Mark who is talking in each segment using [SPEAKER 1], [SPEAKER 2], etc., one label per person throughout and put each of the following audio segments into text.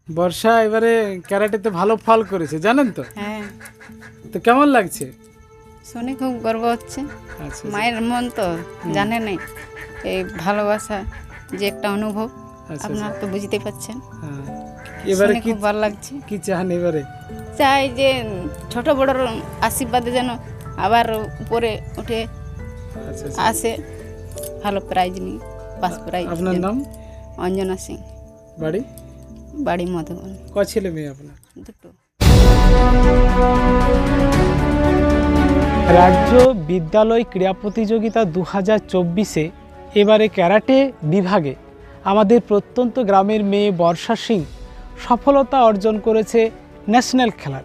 [SPEAKER 1] বর্ষা এবারে ক্যারাটেতে ভালো ফল করেছে জানেন তো?
[SPEAKER 2] হ্যাঁ,
[SPEAKER 1] তো কেমন লাগছে?
[SPEAKER 2] শুনে খুব গর্ব হচ্ছে।
[SPEAKER 1] আচ্ছা
[SPEAKER 2] মায়ের মন তো জানে নাই এই ভালোবাসা যে একটা অনুভব,
[SPEAKER 1] আচ্ছা
[SPEAKER 2] আপনারা তো বুঝতে পারছেন।
[SPEAKER 1] হ্যাঁ। এবারে
[SPEAKER 2] শুনে
[SPEAKER 1] কি
[SPEAKER 2] খুব ভালো লাগছে।
[SPEAKER 1] কি চান এবারে?
[SPEAKER 2] চাই যে ছোট বড়র আশীর্বাদে যেন আবার উপরে উঠে
[SPEAKER 1] আচ্ছা
[SPEAKER 2] আসে, ভালো প্রাইজ নিয়ে ফার্স্ট প্রাইজ।
[SPEAKER 1] আপনার নাম?
[SPEAKER 2] অঞ্জনা সিং,
[SPEAKER 1] বাড়ি?
[SPEAKER 2] বাড়ি মধুবন।
[SPEAKER 1] ছেলে মেয়ে আপনার?
[SPEAKER 2] দুটো।
[SPEAKER 1] রাজ্য বিদ্যালয় ক্রীড়া প্রতিযোগিতা 2024-এ এবারে ক্যারাটে বিভাগে আমাদের প্রত্যন্ত গ্রামের মেয়ে বর্ষা সিং সফলতা অর্জন করেছে ন্যাশনাল খেলার।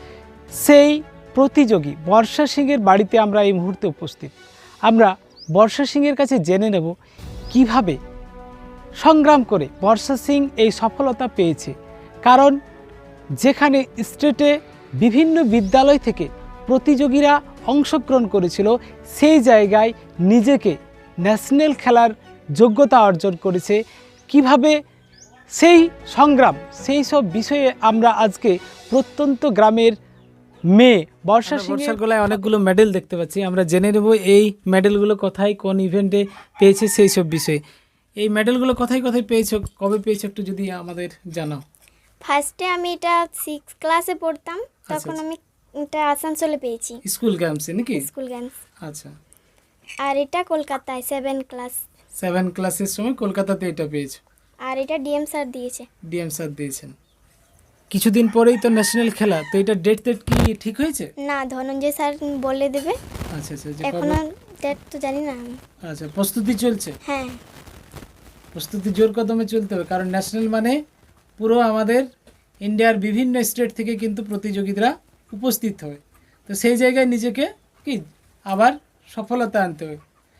[SPEAKER 1] সেই প্রতিযোগী বর্ষা সিংয়ের বাড়িতে আমরা এই মুহূর্তে উপস্থিত। আমরা বর্ষা সিংয়ের কাছে জেনে নেব কিভাবে সংগ্রাম করে বর্ষা সিং এই সফলতা পেয়েছে। কারণ যেখানে স্টেটে বিভিন্ন বিদ্যালয় থেকে প্রতিযোগীরা অংশগ্রহণ করেছিল, সেই জায়গায় নিজেকে ন্যাশনাল খেলার যোগ্যতা অর্জন করেছে। কিভাবে সেই সংগ্রাম, সেই সব বিষয়ে আমরা আজকে প্রত্যন্ত গ্রামের মেয়ে বর্ষা সিংয়ের গলায় অনেকগুলো মেডেল দেখতে পাচ্ছি। আমরা জেনে নেব এই মেডেলগুলো কোথায় কোন ইভেন্টে পেয়েছে সেই সব বিষয়ে। এই মেডেলগুলো কোথায় কোথায় পেয়েছো, কবে পেয়েছো একটু যদি আমাদের জানাও।
[SPEAKER 3] ফার্স্টে আমি এটা 6 ক্লাসে পড়তাম, তখন আমি এটা আসানসোলে পেয়েছি,
[SPEAKER 1] স্কুল গেমসে নাকি?
[SPEAKER 3] School games.
[SPEAKER 1] আচ্ছা,
[SPEAKER 3] আর এটা কলকাতায় 7 ক্লাস।
[SPEAKER 1] 7 ক্লাসের সময় কলকাতাতে এটা পেয়েছো।
[SPEAKER 3] আর এটা ডিএম স্যার দিয়েছে।
[SPEAKER 1] ডিএম স্যার দিয়েছেন। কিছুদিন পরেই তো ন্যাশনাল খেলা, তো এটা ডেট কি ঠিক হয়েছে?
[SPEAKER 3] না, ধনঞ্জয় স্যার বলে দেবে।
[SPEAKER 1] আচ্ছা আচ্ছা, যে
[SPEAKER 3] এখনো ডেট তো জানি না আমি।
[SPEAKER 1] আচ্ছা, প্রস্তুতি চলছে?
[SPEAKER 3] হ্যাঁ,
[SPEAKER 1] প্রস্তুতি জোর কদমে চলতে হবে, কারণ ন্যাশনাল মানে পুরো আমাদের ইন্ডিয়ার বিভিন্ন স্টেট থেকে কিন্তু প্রতিযোগীরা উপস্থিত হয়। তো সেই জায়গায় নিজেকে কি আবার সফলতা আনতে হবে।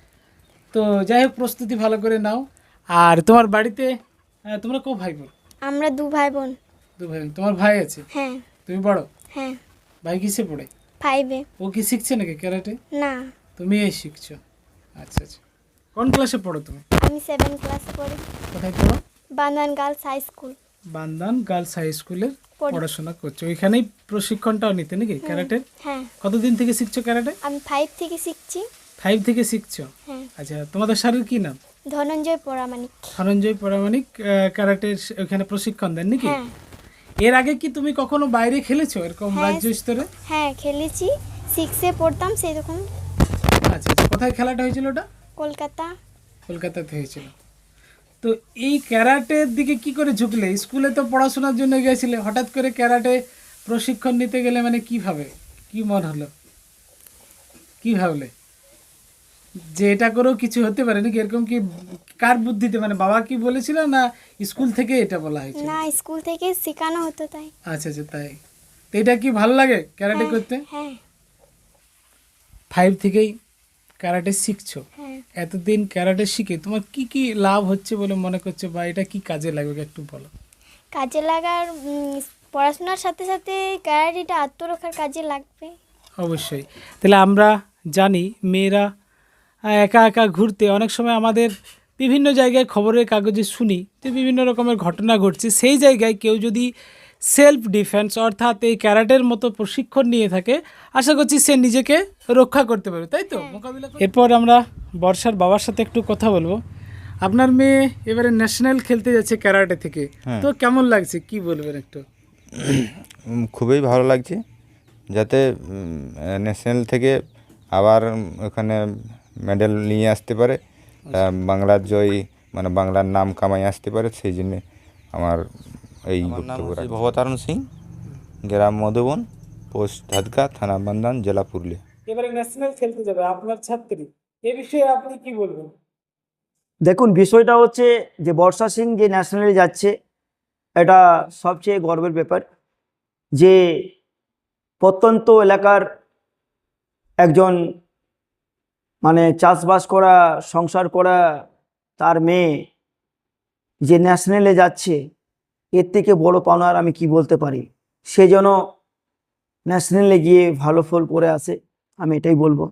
[SPEAKER 1] তো যাই হোক, প্রস্তুতি ভালো করে নাও। আর তোমার বাড়িতে তোমরা কো ভাই বোন?
[SPEAKER 3] আমরা 2 ভাই বোন।
[SPEAKER 1] 2 ভাই বোন। তোমার ভাই আছে?
[SPEAKER 3] হ্যাঁ
[SPEAKER 1] তুমি বড়?
[SPEAKER 3] হ্যাঁ,
[SPEAKER 1] ভাই কিসে পড়ে?
[SPEAKER 3] 5-এ।
[SPEAKER 1] ও কি শিখছে নাকি ক্যারাটে?
[SPEAKER 3] না,
[SPEAKER 1] তুমি এই শিখছো? আচ্ছা আচ্ছা। কোন ক্লাসে পড়ো তুমি?
[SPEAKER 3] আমি 7 ক্লাসে পড়ি,
[SPEAKER 1] কোথায় পড়ো?
[SPEAKER 3] Bandan girls high school.
[SPEAKER 1] Bandan girls high স্কুলে
[SPEAKER 3] পড়ি।
[SPEAKER 1] পড়াশোনা করছো? ওইখানেই প্রশিক্ষণটাও নিতে নাকি ক্যারাটের?
[SPEAKER 3] হ্যাঁ,
[SPEAKER 1] কতদিন থেকে শিখছো ক্যারাটে?
[SPEAKER 3] আমি 5 থেকে শিখছি।
[SPEAKER 1] 5 থেকে শিখছো?
[SPEAKER 3] হ্যাঁ,
[SPEAKER 1] আচ্ছা, তোমাদের স্যারের কি নাম?
[SPEAKER 3] ধনঞ্জয় পরামানিক।
[SPEAKER 1] ধনঞ্জয় পরামানিক ক্যারাটের ওখানে প্রশিক্ষণ দেন নাকি?
[SPEAKER 3] হ্যাঁ
[SPEAKER 1] এর আগে কি তুমি কখনো বাইরে খেলেছো এরকম
[SPEAKER 3] হ্যাঁ,
[SPEAKER 1] রাজ্য স্তরে?
[SPEAKER 3] হ্যাঁ খেলেছি, 6-এ পড়তাম সেই তখন।
[SPEAKER 1] আচ্ছা আচ্ছা, কোথায় খেলাটা হয়েছিল ওটা?
[SPEAKER 3] কলকাতা।
[SPEAKER 1] কলকাতাতে হয়েছিল। তো এই ক্যারাটের দিকে কি করে ঝুঁকলে? স্কুলে তো পড়াশোনার জন্য গিয়েছিলে, হঠাৎ করে ক্যারাটে প্রশিক্ষণ নিতে গেলে মানে কিভাবে, কি মন হলো, কি ভাবলে যে এটা করেও কিছু হতে পারে নাকি? এরকম কি কার বুদ্ধিতে, মানে বাবা কি বলেছিল না স্কুল থেকে এটা বলা হয়েছিল?
[SPEAKER 3] না, স্কুল থেকে শেখানো হতো তাই।
[SPEAKER 1] আচ্ছা আচ্ছা, তাই। তো এটা কি ভালো লাগে ক্যারাটে
[SPEAKER 3] হ্যাঁ,
[SPEAKER 1] করতে?
[SPEAKER 3] হ্যাঁ
[SPEAKER 1] 5 থেকেই ক্যারাটে শিখছো।
[SPEAKER 3] হ্যাঁ,
[SPEAKER 1] এতদিন ক্যারাটে শিখে তোমার কি কি লাভ হচ্ছে বলে মনে করছো, বা এটা কি কাজে লাগবে একটু বলো।
[SPEAKER 3] কাজে লাগার পড়াশোনার সাথে সাথে ক্যারাটেটা আত্মরক্ষার কাজে লাগবে।
[SPEAKER 1] অবশ্যই। তাহলে আমরা জানি মেয়েরা একা একা ঘুরতে, অনেক সময় আমাদের বিভিন্ন জায়গায় খবরের কাগজে শুনি যে বিভিন্ন রকমের ঘটনা ঘটছে। সেই জায়গায় কেউ যদি সেলফ ডিফেন্স অর্থাৎ এই ক্যারাটের মতো প্রশিক্ষণ নিয়ে থাকে, আশা করছি সে নিজেকে রক্ষা করতে পারবে, তাই তো? মোকাবিলা। এরপর আমরা বর্ষার বাবার সাথে একটু কথা বলবো। আপনার মেয়ে এবারে ন্যাশনাল খেলতে যাচ্ছে ক্যারাটে থেকে, তো কেমন লাগছে কি বলবেন একটু?
[SPEAKER 4] খুবই ভালো লাগছে, যাতে ন্যাশনাল থেকে আবার ওখানে মেডেল নিয়ে আসতে পারে, বাংলার জয় মানে বাংলার নাম কামাই আসতে পারে, সেই জন্যে আমার এই বক্তব্য রাখছি। ভবতারণ সিং, গ্রাম মধুবন, পোস্ট ধাদকা, থানা বান্দান, জেলা পুরুলিয়া।
[SPEAKER 1] এবারে ন্যাশনাল খেলতে যাবে আপনার ছাত্রী, এ বিষয়ে আপনি কি বলবেন?
[SPEAKER 5] দেখুন, বিষয়টা হচ্ছে যে বর্ষা সিং যে ন্যাশনালে যাচ্ছে, এটা সবচেয়ে গর্বের ব্যাপার যে প্রত্যন্ত এলাকার একজন মানে চাষবাস করা, সংসার করা তার মেয়ে যে ন্যাশনালে যাচ্ছে, এর থেকে বড় পাওনা আর আমি কি বলতে পারি। সে যেন ন্যাশনালে গিয়ে ভালো ফল করে আসে, আমি এটাই বলবো।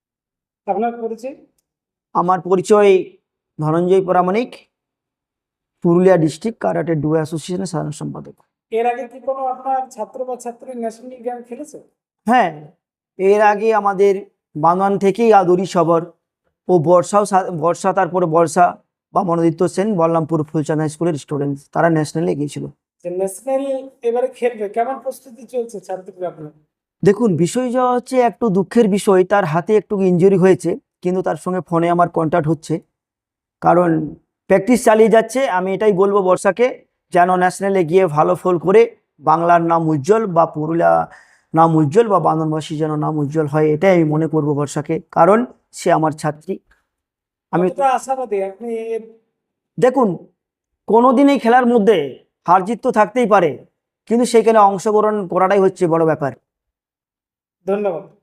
[SPEAKER 1] আপনার পরিচয়?
[SPEAKER 5] আমার পরিচয় Dhananjay Paramanik, Purulia district karate do অ্যাসোসিয়েশনের সাধারণ সম্পাদক।
[SPEAKER 1] এর আগে কি কোনো আপনার ছাত্র বা ছাত্রী ন্যাশনাল গেম খেলেছে?
[SPEAKER 5] হ্যাঁ, এর আগে আমাদের বাগান থেকেই আদরি সবর ও বর্ষা তারপরে বর্ষা বা মনোদিত্য সেন বল্লামপুর ফুলচাঁদ হাই স্কুলের স্টুডেন্ট, তারা ন্যাশনালে গিয়েছিল।
[SPEAKER 1] ন্যাশনাল এবারে খেলবে, কেমন প্রস্তুতি চলছে ছাত্রীরা আপনার?
[SPEAKER 5] দেখুন, বিষয়টা হচ্ছে একটু দুঃখের বিষয়, তার হাতে একটু ইনজুরি হয়েছে, কিন্তু তার সঙ্গে ফোনে আমার কন্ট্যাক্ট হচ্ছে, কারণ প্র্যাকটিস চালিয়ে যাচ্ছে। আমি এটাই বলবো বর্ষাকে, যেন ন্যাশনালে গিয়ে ভালো ফল করে বাংলার নাম উজ্জ্বল বা পুরুলিয়া নাম উজ্জ্বল বা বান্দরবাসী যেন নাম উজ্জ্বল হয়, এটাই আমি মনে করবো বর্ষাকে, কারণ সে আমার ছাত্রী। আমি
[SPEAKER 1] কতটা আশাবাদী আপনি?
[SPEAKER 5] দেখুন, কোনোদিন এই খেলার মধ্যে হার জিত তো থাকতেই পারে, কিন্তু সেখানে অংশগ্রহণ করাটাই হচ্ছে বড় ব্যাপার।
[SPEAKER 1] ধন্যবাদ।